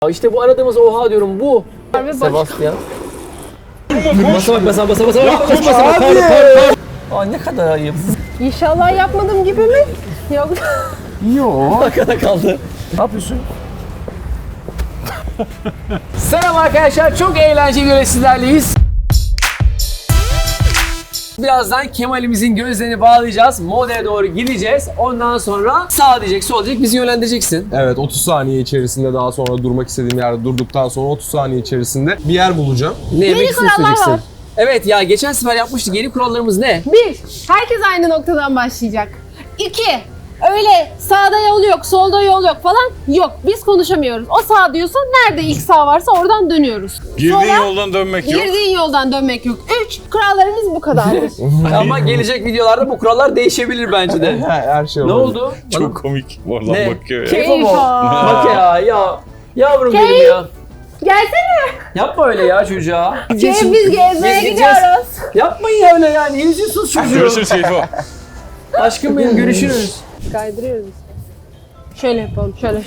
İşte bu aradığımız oha diyorum bu. Sebastian. Basa. Aa ne kadar ayıp. İnşallah yapmadım gibi mi? Yok. Yok. Arkada kaldı. Ne yapıyorsun? Selam arkadaşlar, çok eğlenceli böyle sizlerleyiz. Birazdan Kemal'imizin gözlerini bağlayacağız. Modaya doğru gideceğiz. Ondan sonra sağ diyecek, sol diyecek, bizi yönlendireceksin. Evet, 30 saniye içerisinde daha sonra durmak istediğim yerde durduktan sonra 30 saniye içerisinde bir yer bulacağım. Ne yemek kurallar isteyeceksin? var. Evet ya, geçen sefer yapmıştık. Yeni kurallarımız ne? 1. Herkes aynı noktadan başlayacak. 2. Öyle sağda yol yok, solda yol yok falan yok. Biz konuşamıyoruz. O sağ diyorsa nerede ilk sağ varsa oradan dönüyoruz. Girdiğin yoldan dönmek yok. Girdiğin yoldan dönmek yok. 3. Kurallarımız bu kadar. Ama gelecek videolarda bu kurallar değişebilir bence de. Her şey Ne olabilir. oldu? Çok komik. Oradan Ne? bakıyor ya. Keyif mu? Keyif. Bak ya. Yavrum Keyif. benim ya. Gelsene. Yapma öyle ya çocuğa. Biz gezmeye Biz gidiyoruz. Yapmayın öyle yani. Ne üzüyorsunuz çocuğu? Görüşürüz Keyfo. Aşkım benim, görüşürüz. Kaydırıyoruz. Şöyle yapalım. Şöyle.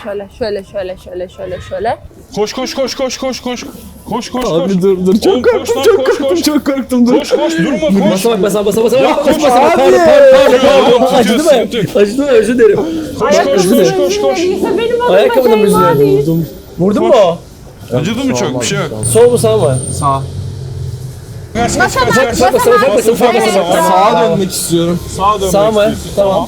Koş. Koş. Abi dur çok Oğlum, korktum, koş lan, çok koş, korktum, koş. çok korktum, dur. Koş durma koş. Basa. koş, Pardon. Acıdı mı? Sıkıntı yok. Acıdı mı? Özür dilerim. Koş. Benim adıma Ayakkabının şey var değil. yüzüne. Vurdun mu? Acıdı mı çok? Bir şey yok. Sol mu sağ mı? Sağ. Kaç. Sağa dönmek istiyorum. Sağa dönmek Sağ mı? istiyorsun. Tamam.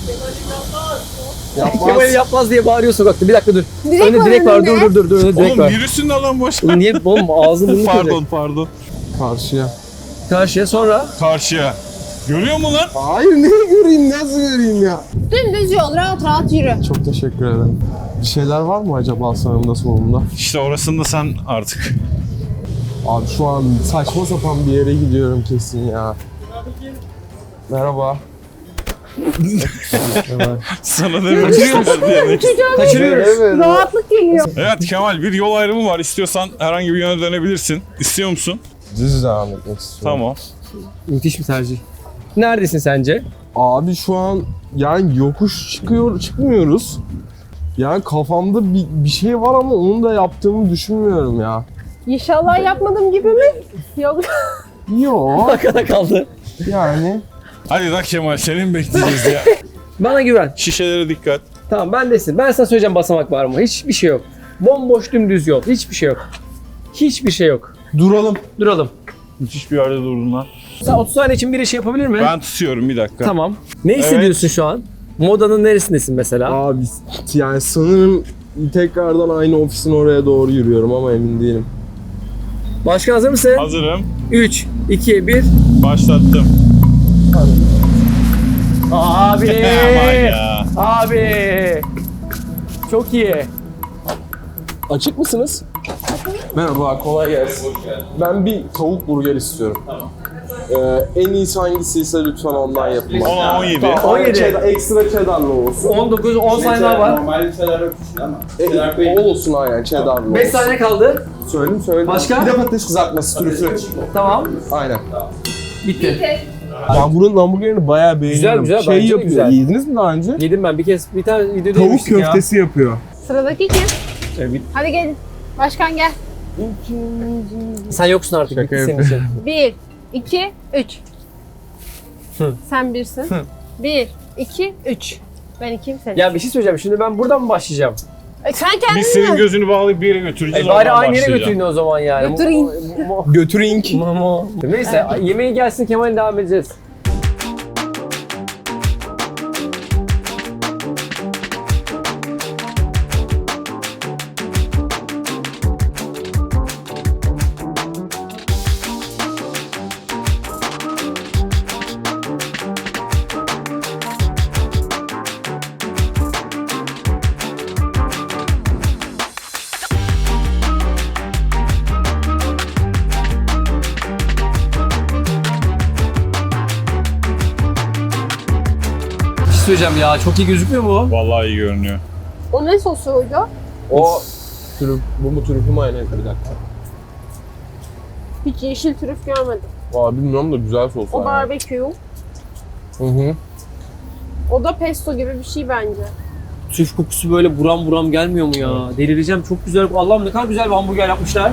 Kemal yapmaz diye bağırıyor sokakta. Bir dakika dur. Direk Önde var direk var. önünde. Dur. Önde direk Oğlum var. virüsün de lan boş. Oğlum niye? Oğlum ağzını burnunu kıracak. Pardon. Karşıya. Karşıya sonra. Karşıya. Görüyor mu lan? Hayır, neyi göreyim, nasıl göreyim ya? Dümdüz yol. Rahat yürü. Çok teşekkür ederim. Bir şeyler var mı acaba sağımda solumda? İşte orasında sen artık. Abi şu an saçma sapan bir yere gidiyorum kesin ya. Merhaba. Sana ne bir Kaçırıyoruz. Evet. Rahatlık geliyor. Evet Kemal, bir yol ayrımı var. İstiyorsan herhangi bir yöne dönebilirsin. İstiyor musun? Düz devam etmek istiyorum. Tamam. Müthiş bir tercih. Neredesin sence? Abi şu an yani yokuş çıkmıyoruz. Yani kafamda bir şey var ama onu da yaptığımı düşünmüyorum ya. İnşallah yapmadım gibi mi? Yok. Yok Arkada kaldı. yani. Hadi lan Kemal, senin bekleyeceğiz ya. Bana güven. Şişelere dikkat. Tamam bendesin. Ben sana söyleyeceğim basamak var mı? Hiçbir şey yok. Bomboş dümdüz yol. Hiçbir şey yok. Hiçbir şey yok. Duralım. Duralım. Müthiş bir yerde durdun lan. Sen 30 saniye için bir iş yapabilir mi? Ben tutuyorum bir dakika. Tamam. Ne hissediyorsun şu an? Modanın neresindesin mesela? Abi yani sanırım tekrardan aynı ofisin oraya doğru yürüyorum ama emin değilim. Başkan hazır mısın? Hazırım. 3, 2, 1. Başlattım. Abi! Aman ya. Abi! Çok iyi. Açık mısınız? Merhaba, kolay gelsin. Ben bir tavuk burger istiyorum. En iyisi hangisiyse lütfen ondan yapın. 17. Tamam, 17. Ekstra cheddarlı olsun. 19, 10 saniye daha var. Normal şeyler yok ama. Olsun aynen, cheddarlı olsun. 5 saniye kaldı. Söyledim. Başka? Bir de patates kızartması trüflü. Tamam. Aynen. Bitti. Ben buranın hamburgerini bayağı beğeniyorum. Güzel, Şey bence de yapıyor. güzel. Yediniz mi daha önce? Yedim ben bir tane videoda Tavuk yemiştim ya. köftesi yapıyor. Sıradaki kim? Evet. Hadi gelin. Başkan gel. Sen yoksun artık. Şaka Bitti senin için. 1, 2, 3. Hı. Sen birsin. 1, 2, 3. Ben ikiyim sen. Ya bir şey söyleyeceğim. Şimdi ben buradan mı başlayacağım? Sen kendin Biz senin mi? gözünü bağlayıp bir yere götüreceğiz. Bari oradan aynı yere başlayacağım. götürün o zaman yani. Götüreyim. Götürink. Neyse yemeği gelsin Kemal'in devam edeceğiz. Bir şey söyleyeceğim ya. Çok iyi gözükmüyor mu? Vallahi iyi görünüyor. O ne sosuydu? O trüf, bu mu trüfü mü aynen, bir dakika. Hiç yeşil trüf görmedim. Aa, bilmiyorum da güzel sos O var. barbekü. Hı hı. O da pesto gibi bir şey bence. trüf kokusu böyle buram buram gelmiyor mu ya? Delireceğim, çok güzel. Allah'ım ne kadar güzel bir hamburger yapmışlar.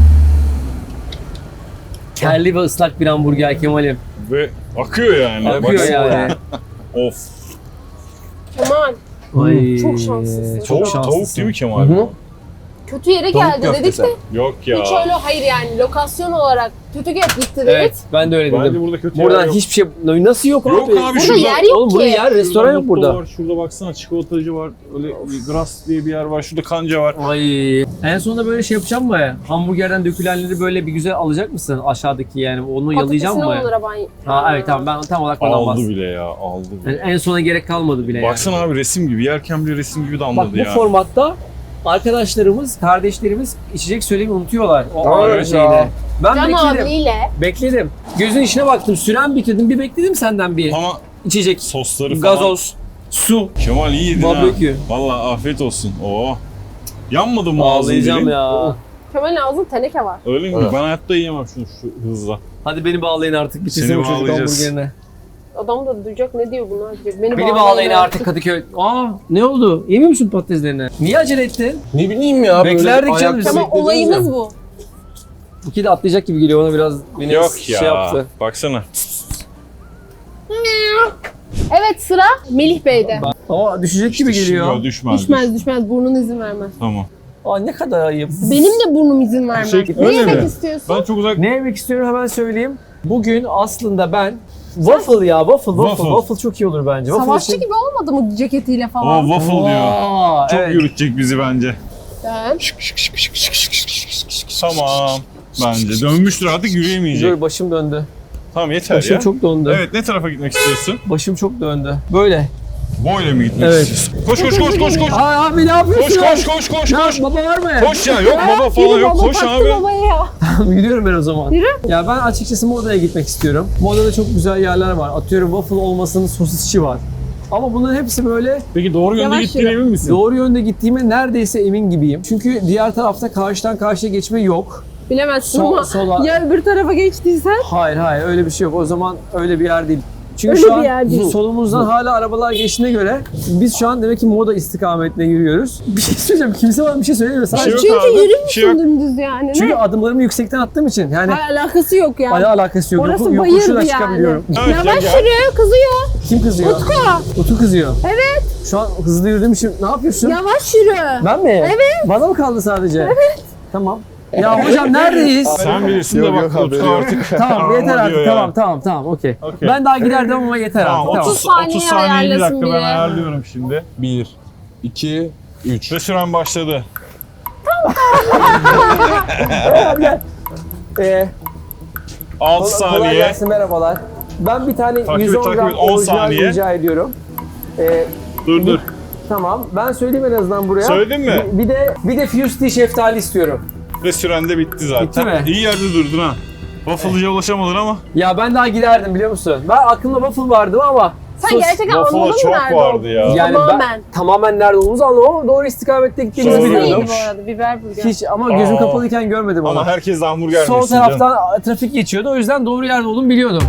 Kelli ve ıslak bir hamburger Kemal'im. Ve akıyor yani. Akıyor Baksana. yani. Of. Kemal, Ay, Çok şanslısın. Çok Tavuk, şanslısın. tavuk değil mi Kemal? Hı. kötü yere Tavuk geldi dedik köftesi. de. Yok ya. Hiç öyle hayır yani lokasyon olarak kötü gitti dedik. Evet, ben de öyle Bence dedim. burada kötü Buradan yer yok. hiçbir şey... Nasıl yok, Yok abi? abi, Burada şurada- yer yok Oğlum burada ki. yer, restoran yok Şurada burada. Var, şurada baksana çikolatacı var. Öyle Gras diye bir yer var. Şurada kanca var. Ay. En sonunda böyle şey yapacağım mı? Hamburgerden dökülenleri böyle bir güzel alacak mısın aşağıdaki yani? Onu yalayacağım Patatesini mı? onlara ben... Ha evet tamam, ben tam olarak ondan Aldı bahsediyorum. bile ya. Aldı bile. Yani en sona gerek kalmadı bile Baksana abi, resim gibi. Yerken bile resim gibi damladı Bak bu ya. formatta arkadaşlarımız, kardeşlerimiz içecek söylemeyi unutuyorlar. O Evet ara ya. şeyde. Ben Can bekledim. abiyle. Bekledim. Gözün içine baktım. Süren bitirdim. Bir bekledim senden bir. Ama İçecek. sosları falan. Gazoz. Su. Kemal iyi yedin ha. Barbekü. Valla afiyet olsun. Oo. Yanmadı mı ağzın Ağlayacağım dilin? ya. Kemal'in ağzında teneke var. Öyle mi? Evet. Ben hayatta yiyemem şunu şu hızla. Hadi beni bağlayın artık. Bitirsin Seni bu çocuk bağlayacağız. hamburgerine. Adam da duyacak ne diyor bunlar diyecek. Beni bağlayın artık Kadıköy. Aa ne oldu? Yemiyor musun patateslerini? Niye acele ettin? Ne bileyim ya. böyle Beklerdik ayakta canım. Ama beklediniz olayımız ya. bu. İki de atlayacak gibi geliyor, ona biraz beni Yok şey ya. yaptı. Baksana. Evet, sıra Melih Bey'de. Ama düşecek gibi geliyor. Düşmez. Düşmez burnun izin vermez. Tamam. Aa ne kadar ayıp. Benim de burnum izin vermez. Şey, Ne öyle yemek mi? istiyorsun? Ben çok uzak... Ne yemek istiyorum hemen söyleyeyim. Bugün aslında ben waffle ya waffle çok iyi olur bence. Waffle Savaşçı için- gibi olmadı mı ceketiyle O falan? waffle diyor. Aa, Çok evet. yürütecek bizi bence. Ben. Tamam. Bence. Dönmüştür artık, yürüyemeyecek. Dur başım döndü. Tamam yeter Başım ya. çok döndü. Evet, ne tarafa gitmek istiyorsun? Başım çok döndü. Böyle. Boyla mı gitmek Evet. istiyorsun? Koş koş koş koş koş. Aa abi ne yapıyorsun? Koş. Ya, baba var mı? Koş ya, yok baba falan Yürü yok. baba, Koş taktı abi. babaya ya. Gidiyorum ben o zaman. Yürü. Ya ben açıkçası Moda'ya gitmek istiyorum. Moda'da çok güzel yerler var. Atıyorum waffle olmasının sosisçi var. Ama bunların hepsi böyle Peki doğru yönde Yavaş gittiğine yürü. emin misin? doğru yönde gittiğime neredeyse emin gibiyim. Çünkü diğer tarafta karşıdan karşıya geçme yok. Bilemezsin Sol- ama sola- ya öbür tarafa geçtiysen. Hayır öyle bir şey yok. O zaman öyle bir yer değil. Çünkü Öyle şu bir an yer değil. solumuzdan hala arabalar geçtiğine göre biz şu an demek ki Moda istikametine yürüyoruz. Bir şey söyleyeceğim. Kimse bana bir şey söylemiyor. şey Sadece yok Çünkü abi, bir şey yürümüşsün yok. dümdüz yani. çünkü Ne? adımlarımı yüksekten attığım için yani Alakası yok yani. alakası yok. Orası Yoku- bayır yokuşu da yani. çıkabiliyorum. Evet, Yavaş gel. yürü, kızıyor. Kim kızıyor? Utku. Utku kızıyor. Evet. Şu an hızlı yürüdüğüm için ne yapıyorsun? Yavaş yürü. Ben mi? Evet. Bana mı kaldı sadece? Evet. Tamam. Ya hocam neredeyiz? Sen bilirsin de Yok, bak yok, haberi Utku yok. artık. Tamam Ama yeter artık. diyor ya. Tamam okey. Okey. Ben daha giderdim ama yeter Tamam, artık. 30 Tamam. 30 30 saniye saniye, bir ayarlasın dakika ben biri. ayarlıyorum şimdi. 1, 2, 3. Ve süren başladı. Ee, 6 kolay saniye. gelsin, merhabalar. Ben bir tane Takip et, 110 takip gram et, 10 orijinal saniye. rica ediyorum. Dur. Tamam. Ben söyleyeyim en azından buraya. Söyledin mi? Bir de Fusty şeftali istiyorum. Ve süren de bitti zaten. Bitti mi? İyi yerde durdun ha. Waffle'cıya ulaşamadın ama. Ya ben daha giderdim biliyor musun? Ben aklımda waffle vardı ama Sen sus. gerçekten Waffle'a anladın mı çok nerede vardı olduğunu? ya. Yani Tamamen. ben tamamen nerede olduğumuzu anlamadım ama doğru istikamette gittiğimizi Sonra biliyordum. Neydi bu arada? Biber burger. Hiç ama gözüm Aa. kapalıyken görmedim Ama onu. herkes de hamburger Sol yesin canım. taraftan trafik geçiyordu, o yüzden doğru yerde olduğumu biliyordum.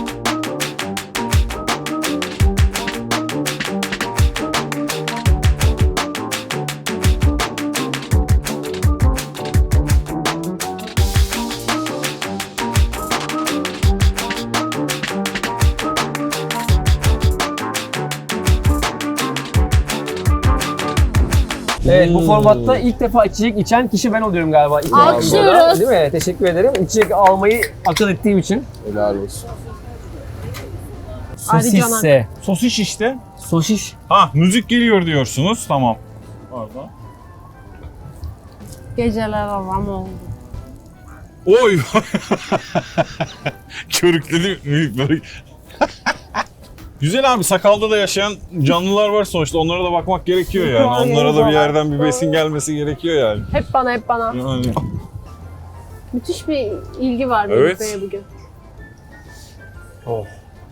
Evet, bu formatta ilk defa içecek içen kişi ben oluyorum galiba. İlk Alkışlıyoruz. defa. Değil mi? Teşekkür ederim. İçecek almayı akıl ettiğim için. Helal olsun. Sosisse. Sosis işte. Sosiş. Ha, müzik geliyor diyorsunuz. Tamam. Pardon. Geceler avam oldu. Oy. Körükledi böyle. Güzel abi, sakalda da yaşayan canlılar var sonuçta. Onlara da bakmak gerekiyor yani. Onlara da bir yerden bir besin gelmesi gerekiyor yani. Hep bana. Yani. Müthiş bir ilgi var Evet. Melih Bey'e bugün. Oh.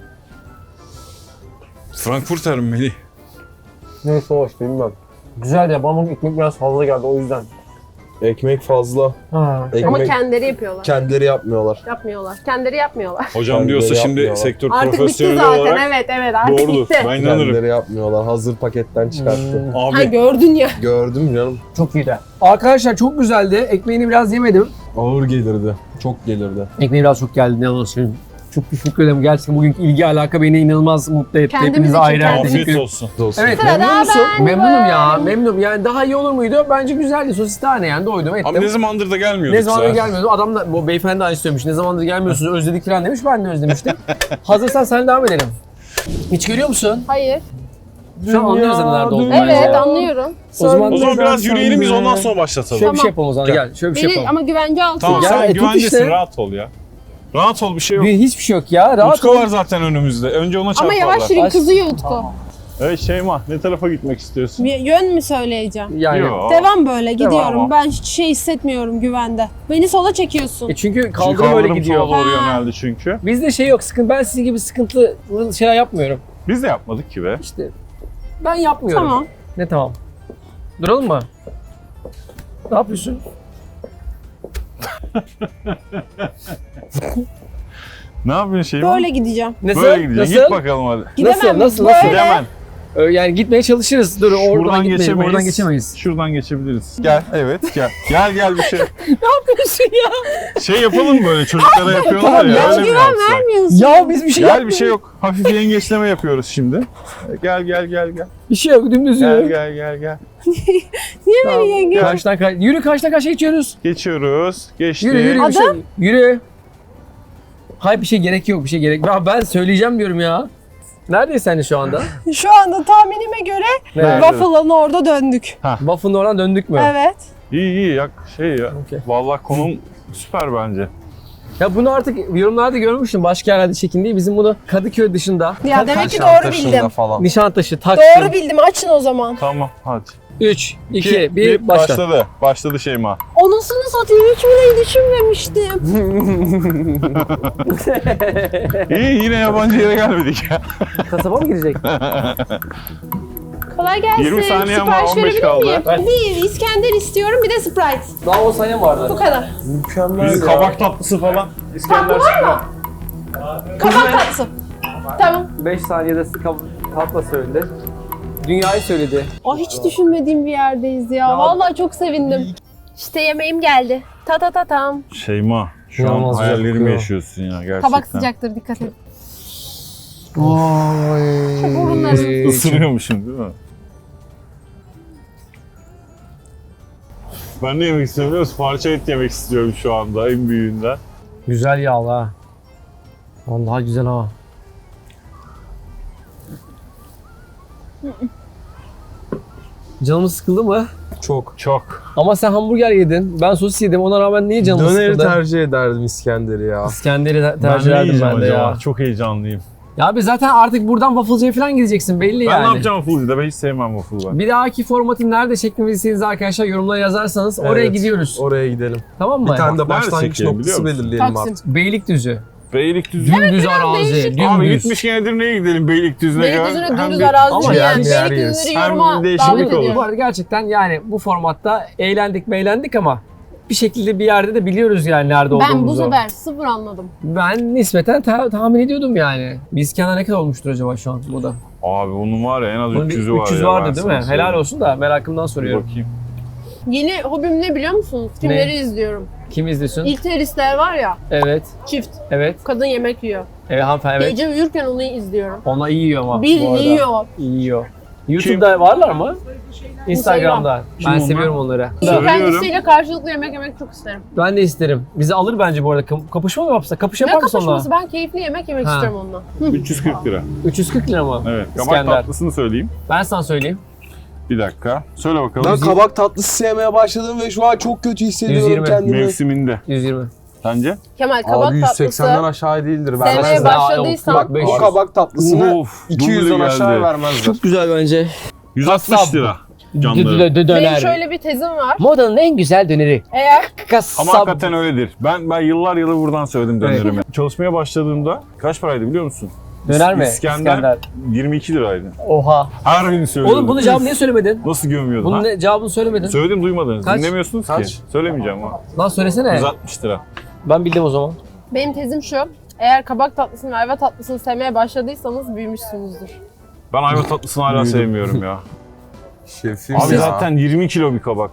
Frankfurter mi Melih? Neyse hoş bilmem. Güzel ya, bana ekmek biraz fazla geldi o yüzden. Ekmek fazla. Ha. Ekmek Ama kendileri yapıyorlar. kendileri yapmıyorlar. Yapmıyorlar. Kendileri yapmıyorlar. Hocam diyorsa Kendileri şimdi yapmıyorlar. sektör Artık bitti profesyoneli zaten. olarak Evet artık doğrudur. bitti. Ben inanırım. Kendileri yapmıyorlar. Hazır paketten çıkarttı. Ha Abi gördün ya. Gördüm canım. Çok iyiydi. Arkadaşlar çok güzeldi. Ekmeğini biraz yemedim. Ağır gelirdi. Çok gelirdi. Ekmeği biraz çok geldi. Ne yalan söyleyeyim. Çok teşekkür ederim. Gerçekten bugünkü ilgi alaka beni inanılmaz mutlu etti. Kendimiz Hepinize için ayrı ayrı kendimiz. teşekkür afiyet ederim. olsun. Olsun. Evet, Sırada memnun musun? ben Memnunum ya, varım. memnunum. Yani daha iyi olur muydu? Bence güzeldi. Sosis tane yani doydum ettim. Abi ne zamandır da gelmiyorduk Ne zamandır zaten. gelmiyordu? Adam da, bu beyefendi de aynı söylemiş. Ne zamandır gelmiyorsunuz, özledik falan demiş. Ben de özlemiştim. Hazırsan sen devam edelim. Hiç görüyor musun? Hayır. Şu an anlıyoruz zaten nerede olduğunu. Evet bence. anlıyorum. O zaman, O zaman biraz yürüyelim biz ondan sonra başlatalım. şöyle bir şey Tamam. yapalım o zaman. Gel. Gel, şöyle bir şey Beni yapalım. ama güvence altına. Tamam Ya, sen tut güvendesin işte. rahat ol ya. Rahat ol bir şey yok. Hiçbir şey yok ya. Rahat Utku ol. var zaten önümüzde. Önce ona Ama çarparlar. yavaş yürü kızıyor Utku. Evet Şeyma ne tarafa gitmek istiyorsun? Bir yön mü söyleyeceğim? Yani. Yok. Devam böyle gidiyorum. ama. Ben hiç şey hissetmiyorum güvende. Beni sola çekiyorsun. Çünkü Çünkü kaldırım öyle kaldırım gidiyor. sola doğru Ha. yöneldi çünkü. Bizde şey yok. Sıkıntı. Ben sizin gibi sıkıntılı şeyler yapmıyorum. Biz de yapmadık ki be. İşte ben yapmıyorum. Tamam. Ne tamam? Duralım mı? Ne yapıyorsun? Ne yapıyorsun Şeyma? Böyle gideceğim. Nasıl? Böyle gideceksin. Nasıl? Git bakalım hadi. Gidemem. Nasıl? Böyle. Gidemen. Yani gitmeye çalışırız. Dur oradan Buradan gitmeyelim. geçemeyiz. Oradan geçemeyiz. Şuradan geçebiliriz. Gel. Evet gel. Gel bir şey. Yapıyorsun ya. Şey yapalım mı böyle çocuklara yapıyorlar Tamam ya. ya, Öyle mi Güven yapsak? vermiyorsun. Ya biz bir şey Gel bir yapmıyoruz. şey yok. Hafif yengeçleme yapıyoruz şimdi. Gel. Bir şey yok. Dümdüz yürü. Gel. Niye Tamam. beni yenge? Karşıdan yürü karşıdan karşıya geçiyoruz. Geçiyoruz. Geçtik. Yürü bir şey. Adam? Yürü. Hayır bir şey gerek yok. Bir şey gerek. Ya ben söyleyeceğim diyorum ya. Neredeyiz sen de şu anda? Şu anda tahminime göre Nerede? waffle'ın orada döndük. Waffle'ın oradan döndük mü? Evet. İyi ya şey ya. Okey. Vallahi konum süper bence. Ya bunu artık yorumlarda görmüştüm. Başka yerlerde çekin diye. Bizim bunu Kadıköy dışında. Ya demek ki Nişantaşı'nda doğru bildim. falan. Nişantaşı, Taksim. Doğru bildim. Açın o zaman. Tamam hadi. 3, 2, 1 başla. Başladı. Başladı Şeyma. Anasını satayım hiç bile düşünmemiştim. İyi yine yabancı yere gelmedik ya. Kasaba mı girecek? Kolay gelsin. 20 saniye ama Sipariş 15 verebilir kaldı. miyim? Ver. Bir İskender istiyorum bir de Sprite. Daha 10 saniye vardı. Bu kadar. Mükemmel Bizim ya. kabak tatlısı falan. İskender çıkma. Kabak tatlısı. Tamam. 5 saniyede tatla söyledi. Dünyayı söyledi. Aa, hiç düşünmediğim bir yerdeyiz ya. Vallahi çok sevindim. İşte yemeğim geldi. Ta tam. Şeyma şu İnanılmaz an güzel hayallerimi kokuyor. yaşıyorsun ya gerçekten. Tabak sıcaktır dikkat et. Vay. Burunları. Isırıyormuşum değil mi? Ben ne yemek istiyorum biliyor musun? Parça et yemek istiyorum şu anda en büyüğünden. Güzel yağlı ha. Vallahi güzel ha. Canımız sıkıldı mı? Çok. Çok. Ama sen hamburger yedin. Ben sosis yedim. Ona rağmen niye canımız Döneri sıkıldı? tercih ederdim İskender'i ya. İskender'i Ben tercih ne ederdim yiyeceğim ben de acaba? ya. Çok heyecanlıyım. Ya abi zaten artık buradan waffle'cıya falan gideceksin belli Ben yani. ne yapacağım waffle'da? Ben hiç sevmem waffle ben. Bir dahaki formatı nerede çekmemizi istediğiniz arkadaşlar yorumlara yazarsanız oraya Evet, gidiyoruz. Oraya gidelim. Tamam mı? Bir tane de Nerede başlangıç çekelim, biliyor noktası musun? belirleyelim Taksim. artık. Beylikdüzü. Beylikdüzü. Dümdüz arazi. değişik. Abi Dümdüz. gitmişken Edirne'ye gidelim Beylikdüzü'ne. Beylikdüzü'ne Hem dümdüz bir- arazi Ama diyen yani yer Beylikdüzü'nü Hem yoruma değişiklik davet olur. Bu ediyorum. arada gerçekten yani bu formatta eğlendik ama bir şekilde bir yerde de biliyoruz yani nerede olduğumuzu. Ben bu sefer sıfır anladım. Ben nispeten tahmin ediyordum yani. Biz kenar ne kadar olmuştur acaba şu an bu da? Abi bunun var ya en az Bunun bir 300'ü var 300 ya. vardı ben değil sana mi? söyleyeyim. Helal olsun da merakımdan Bir soruyorum. bakayım. Yeni hobim ne biliyor musunuz? Filmleri izliyorum. Kim izliyorsun? İlk teröristler var ya, Evet. çift. Evet. Kadın yemek yiyor. Evet hanımefendi evet. Gece uyurken onu izliyorum. Ona iyi yiyor ama. Bir bu arada. yiyor. İyi yiyor. YouTube'da varlar mı? Instagram'da. Kim Ben onlar? seviyorum onları. Söylüyorum. Kendisiyle karşılıklı yemek yemek çok isterim. Ben de isterim. Bizi alır bence bu arada. Kapışma mı yapsa? Kapış yapar Ne mısın onunla? kapışması? Ben keyifli yemek yemek Ha. isterim onunla. 340 lira. 340 lira mı? Evet. Kabak İskender. tatlısını söyleyeyim. Ben sana söyleyeyim. Bir dakika. Söyle bakalım. Ben kabak tatlısı sevmeye başladım ve şu an çok kötü hissediyorum 120. kendimi. Mevsiminde. 120. Sence? Kemal kabak Abi 180'den tatlısı. aşağı değildir. Sevmeye Vermezler. başladıysan- Bak o 500. kabak tatlısını Of, 200'den duble aşağı geldi. vermezler. Çok güzel bence. 160 Kasap. lira. Canları. Benim şöyle bir tezim var. Modanın en güzel döneri. Eğer Kasap. Ama hakikaten öyledir. Ben yıllar yılı buradan söyledim dönerimi. Çalışmaya başladığımda kaç paraydı biliyor musun? Döner mi? İskender 22 liraydı. Oha. Her gün söylüyordum. Oğlum bunun cevabını niye söylemedin? Nasıl gömüyordun? Bunun Ha? cevabını söylemedin. Söyledim duymadınız. Kaç? Dinlemiyorsunuz Kaç? ki. Söylemeyeceğim ama. Lan söylesene. 160 lira. Ben bildim o zaman. Benim tezim şu. Eğer kabak tatlısını ve ayva tatlısını sevmeye başladıysanız büyümüşsünüzdür. Ben ayva tatlısını hala Büyüdüm. sevmiyorum ya. Şefim Abi ya. zaten 20 kilo bir kabak.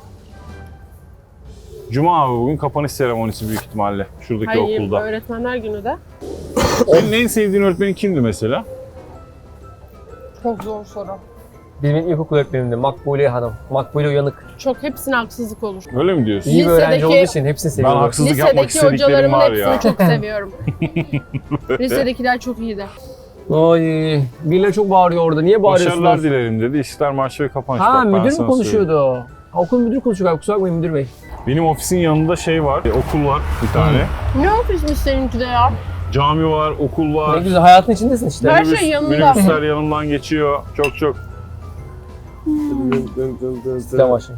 Cuma abi bugün kapanış seremonisi büyük ihtimalle. Şuradaki Hayır, okulda. öğretmenler günü de. Senin en sevdiğin öğretmenin kimdi mesela? Çok zor soru. Benim ilkokul öğretmenimdi. Makbule Hanım. Makbule Uyanık. Çok hepsine haksızlık olur. Öyle mi diyorsun? İyi bir öğrenci Lisedeki- olduğu için hepsini Ben seviyorum. haksızlık yapmak Lisedeki istediklerim hocalarımın var hepsini ya. çok seviyorum. Lisedekiler çok iyiydi. Ay, birileri çok bağırıyor orada. Niye bağırıyorsunuz? Başarılar dilerim dedi. İşler marşı ve kapanış. Ha, Bak, ben müdür mü sana söyleyeyim. konuşuyordu? Ha, okul müdürü konuşuyor galiba. Kusura bakmayın müdür bey. Benim ofisin yanında şey var, okul var bir tane. Ne ofismiş seninki de ya? Cami var, okul Ne var. güzel, hayatın içindesin işte. Her şey yanında. Minibüsler yanımdan geçiyor. Çok. Sen başla.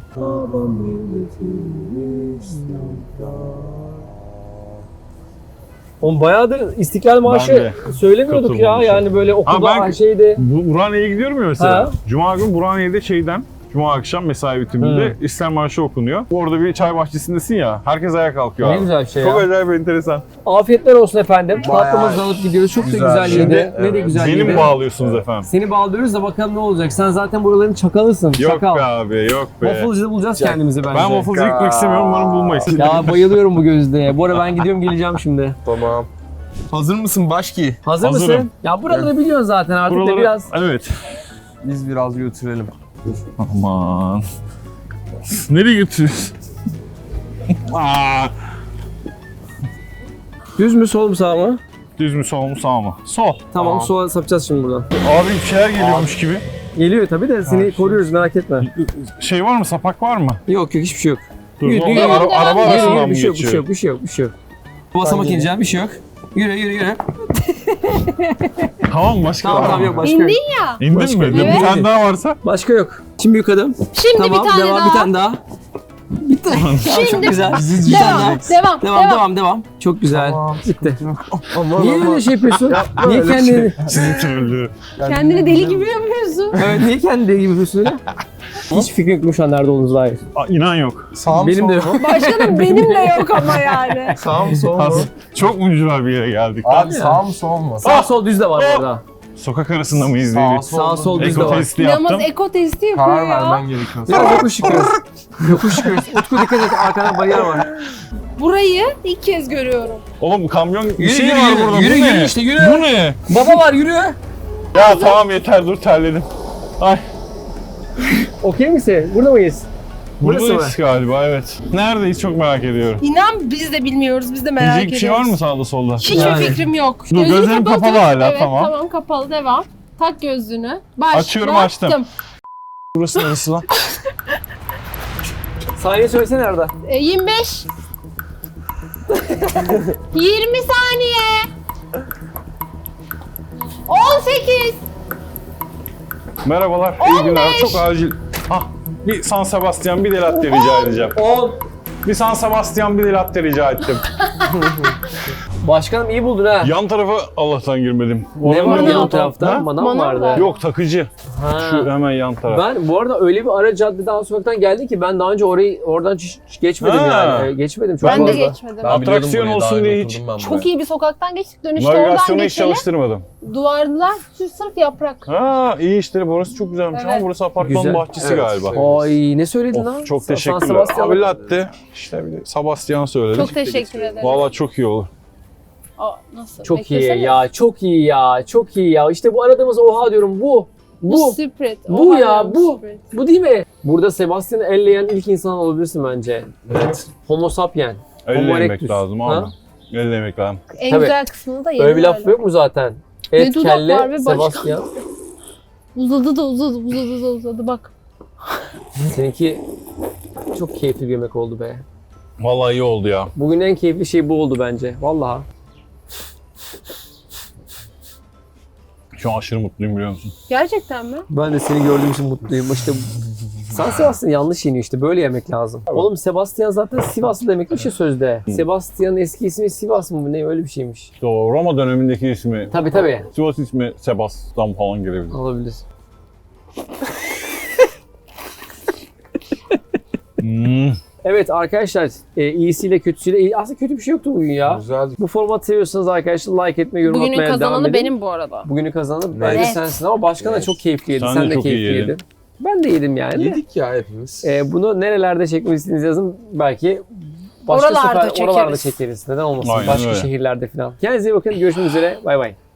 Oğlum bayağıdır İstiklal Ben Marşı de söylemiyorduk ya. katılmamışım. Yani böyle okulda ben- şeydi. Burhaniye'ye gidiyorum ya mesela. Ha. Cuma gün Burhaniye'de Cuma akşam mesai bitiminde İstiklal Marşı okunuyor. Orada bir çay bahçesindesin ya, herkes ayağa kalkıyor Ne abi. güzel bir şey Çok ya. acayip enteresan. Afiyetler olsun efendim. Bayağı Tatlımızı alıp gidiyoruz. Çok da güzel. güzel Şimdi, yedi. Ne de evet. güzel Beni yedi. mi bağlıyorsunuz efendim? Seni bağlıyoruz da bakalım ne olacak. Sen zaten buraların çakalısın. Yok Çakal. be abi, yok be. Waffle'cıda bulacağız kendimizi bence. Ben waffle'cı gitmek istemiyorum, umarım bulmayız. Ya bayılıyorum bu gözlüğe. Bu ara ben gidiyorum geleceğim şimdi. Tamam. Hazır mısın Başki? Hazır Hazırım. mısın? Ya buraları biliyorsun zaten artık da Buraları, biraz. evet. Biz biraz götürelim. Aman. Nereye götürüyorsun? Aa, Düz mü sol mu sağ mı? düz mü sol mu sağ mı? Sol. Tamam sola sapacağız şimdi buradan. Abi bir şeyler geliyormuş gibi. Geliyor tabii de seni koruyoruz merak etme. Şey var mı? Sapak var mı? Yok hiçbir şey yok. Dur, Yürü, ne yürü, oluyor? yürü, Araba yürü, arasından mı bir şey yok, bir geçiyor? şey yok, bir şey yok, bir şey yok. Basamak ineceğim, bir şey yok. Yürü. Tamam başka var Tamam mı? yok başka yok. İndin ya. İndin Başka mi? yok. Bir Evet. tane daha varsa. Başka yok. Şimdi büyük adım. Şimdi Tamam bir tane devam, daha. bir tane daha. Bitti. Tamam, çok Şimdi- güzel. Bir tane Devam. devam. Çok güzel. Bitti. Aman Niye öyle şey yapıyorsun? Niye öyle kendini... Sizin türlü. Kendini deli gibi yapıyorsun. Evet, niye kendini deli gibi yapıyorsun öyle? Hiç fikrim yokmuş şu an nerede olduğunuza dair. Aa, inan yok. Sağ mı Benim sol de mu? Başkanım benim de yok ama yani. Sağ mı sol mu? Çok mucura bir yere geldik. Abi sağ mı sol mu? Sağ sol düz de var orada. Sokak arasında mıyız diye bir Sağ sol düz de eko var. testi yaptım. Yalnız eko testi yapıyor Karar ya. vermen gerekiyor. Biraz yokuş çıkıyoruz. Yokuş çıkıyoruz. Utku dikkat et arkada bariyer var. Burayı ilk kez görüyorum. Oğlum kamyon bir Yürü, şey yürü, var yürü, burada. yürü, Bu yürü ne? işte, yürü. Bu ne? Baba var yürü. Ya tamam yeter dur terledim. Ay. Okey misin? Burada mıyız? Burası Buradayız galiba evet. Neredeyiz çok merak ediyorum. İnan biz de bilmiyoruz, biz de merak Diyecek ediyoruz. bir şey var mı sağda solda? Hiçbir Yani. fikrim yok. Dur, gözlerim kapalı kapalı hala, evet, tamam. Tamam kapalı devam. Tak gözlüğünü. Açıyorum, açtım. Burası neresi lan? Saniye söylesene Arda. 25. 20 saniye. 18. Merhabalar, iyi günler. Çok acil. Ah, bir San Sebastian bir de latte rica edeceğim. 10. Bir San Sebastian bir de latte rica ettim. Başkanım iyi buldun ha. Yan tarafa Allah'tan girmedim. Ne var Manav. yan tarafta? Ha? Manav Manav vardı. var. Yok takıcı. Ha. Şu hemen yan taraf. Ben bu arada öyle bir ara caddede alt sokaktan geldi ki ben daha önce oradan hiç geçmedim Ha. yani. Geçmedim çok Ben de fazla. geçmedim. Atraksiyon olsun diye hiç- Çok iyi bir sokaktan geçtik. Dönüşte oradan Navigasyonu hiç geçelim. çalıştırmadım. Duvarlar sırf yaprak. Ha iyi işte burası çok güzelmiş ama Evet. burası apartmanın Güzel. bahçesi Evet. galiba. Ay ne söyledin lan? Of, çok San teşekkürler. Sebastian. Abi latte. İşte bir de Sebastian söyledik. Çok teşekkür ederim. Vallahi çok iyi olur. Aa, nasıl? Çok Beklesene. iyi ya, çok iyi ya, çok iyi ya. İşte bu aradığımız oha diyorum bu. Bu Spirit. Bu Oha ya, diyorum, bu. Spirit. Bu değil mi? Burada Sebastian'ı elleyen ilk insan olabilirsin bence. Evet. Homo sapien. Homo Ellemek erectus. lazım Ha? abi. Ellemek lazım. En Tabii. güzel kısmını da yedim Öyle bir laf yok mu zaten? Et, dudak var kelle, ve başka. Sebastian. Uzadı bak. Seninki çok keyifli bir yemek oldu be. Vallahi iyi oldu ya. Bugün en keyifli şey bu oldu bence. Vallahi. Şu an aşırı mutluyum biliyor musun? Gerçekten mi? Ben de seni gördüğüm için mutluyum. İşte San Sebastian yanlış yeniyor işte. Böyle yemek lazım. Oğlum Sebastian zaten Sivaslı demekmiş ya sözde. Sebastian'ın eski ismi Sivas mı? Ne öyle bir şeymiş. İşte o Roma dönemindeki ismi. Tabii. Sivas ismi Sebastian falan gelebilir. Olabilir. Evet arkadaşlar iyisiyle kötüsüyle aslında kötü bir şey yoktu bugün ya. Güzel. Bu formatı seviyorsanız arkadaşlar like etmeyi, yorum Bugünün atmaya devam kazananı edin. benim bu arada. Bugünün kazananı bence Evet. sensin ama başkan da çok keyifli yedi. Sen Sen de de çok iyi keyifli yedin. yedin. Ben de yedim yani. Yedik ya hepimiz. Bunu nerelerde çekmek istediğinizi yazın. Belki başka Oralarda sefer oralarda çekeriz. çekeriz. Neden olmasın? Aynen Başka öyle. şehirlerde falan. Kendinize iyi bakın. Görüşmek üzere. Bay bay.